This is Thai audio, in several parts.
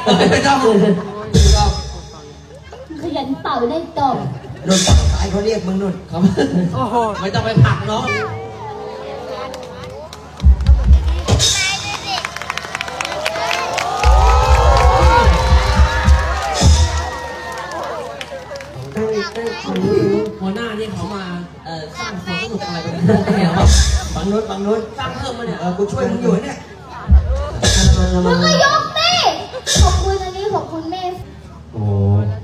ไม่ต้องขยันเป่าได้ตบโดนฝั่งซ้ายเขาเรียกมึงนุ่นเขาไม่ต้องไปผลักน้องหัวหน้านี่เขามาสร้างความสนุกอะไรกันเนี่ยบางนุชสร้างเพิ่มมาเนี่ยกูช่วยมึงอยู่เนี่ยมึงก็ยกดิขอบคุณอันนี้ขอบคุณแม่โอ้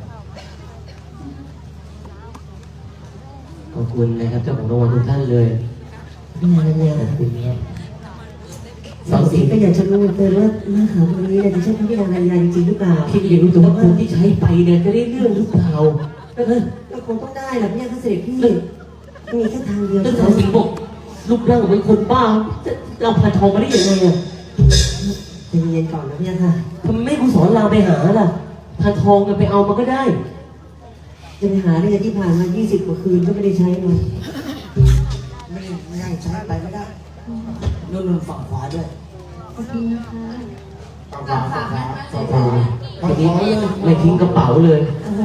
ขอบคุณนะครับเจ้าของรางวัลทุกท่านเลยพี่นาเนี่ยขอบคุณครับสาวสีก็อยากจะรู้เกินว่าหน้าขาวคนนี้เนี่ยจะใช่พี่นางรัญญาจริงๆหรือเปล่าพี่อยากรู้แต่ว่าคนที่ใช้ไปเนี่ยจะได้เรื่องหรือเปล่าก็คงต้องได้แหละพี่เสด็จพี่มีแค่ทางเดียวแล้วสาวสิงห์บอกรูปร่างเหมือนคนบ้าจะเอาพานทองมาได้ยังไงอ่ะใจเย็นก่อนนะพี่ค่ะทำไมไม่กูสอนเราไปหาล่ะพานทองกันไปเอามาก็ได้จะไปหาได้ที่ผ่านมา20 กว่าคืนก็ไม่ได้ใช้มันไม่ได้ใช้ไปไม่ได้นุ่นฝั่งขวาด้วยขอบคุณนะคะฝั่งขวาทีนี้ไม่ทิ้งกระเป๋าเลยโอ้โห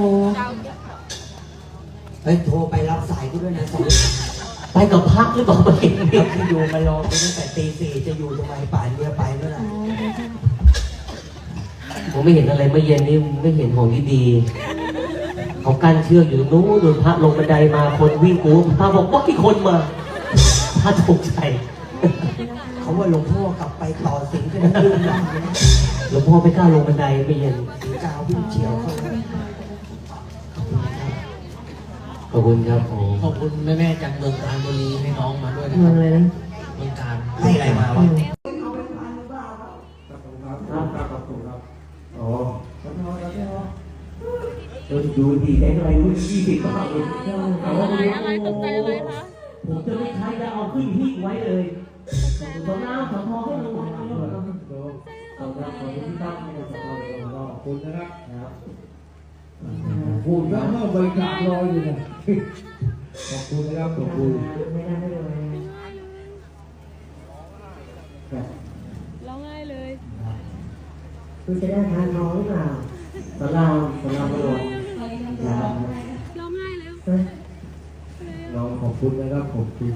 เฮ้ยโทรไปรับสายกูด้วยนะสายไปกับพักหรือเปล่าไปเห็นที่อยู่มารอไปตั้งแต่ตี 4จะอยู่ทำไมป่านเรือไปเมื่อไหร่ผมไม่เห็นอะไรเมื่อเย็นนี่ไม่เห็นของดีๆเขากั้นเชือกอยู่ตรงนู้นโดนพระลงบันไดมาคนวิ่งกูพระบอกว่ากี่คนมาพระตกใจเขาว่าหลวงพ่อกลับไปต่อสิงกันลื่นล่างเลยนะหลวงพ่อไม่กล้าลงบันไดไม่เย็นสิงกาววิ่งเฉียวเขาขอบคุณครับผมขอบคุณแม่จากเมืองการบุรีให้น้องมาด้วยนะครับเมืองการให้อะไรมาวะอ๋อดูดีได้อะไรรู้20 บาทเลยอะไรตกใจอะไรคะผมจะไม่ใช้แล้วเอาขึ้นหิ้งไว้เลยสองน้ำสองทองให้ลงมาขอบคุณนะครับพูดแล้วเมื่อบริการรออยู่นะขอบคุณนะครับขอบคุณไม่ได้เลยร้องไห้เลยคุณจะได้ทานน้องหรือเปล่าสำเราประโยชน์ร้องไห้แล้วเราขอบคุณนะครับขอบคุณ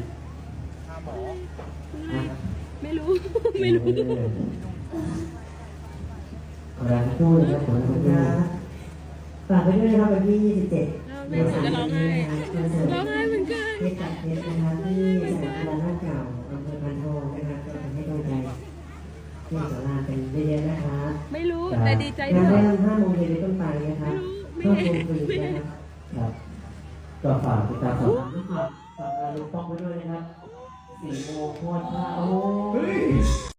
ไม่รู้ขอรับพูดนะครับขอบคุณครับฝากไปด้วยนะครับวันที่27 แม่จะร้องไห้เหมือนกันเทศจัดเทศนะครับที่สนามกีฬาหน้าเก่าอำเภอพานทองนะครับก็ทำให้กำลังใจที่สาราเป็นเยอะๆนะครับไม่รู้แต่ดีใจด้วยงานได้5 โมงเย็นเป็นต้นไปนะครับเพื่อชมฟรีนะครับก็ฝากติดตามฝากงานลุงป้องไว้ด้วยนะครับ4 โมงโคตรโอ้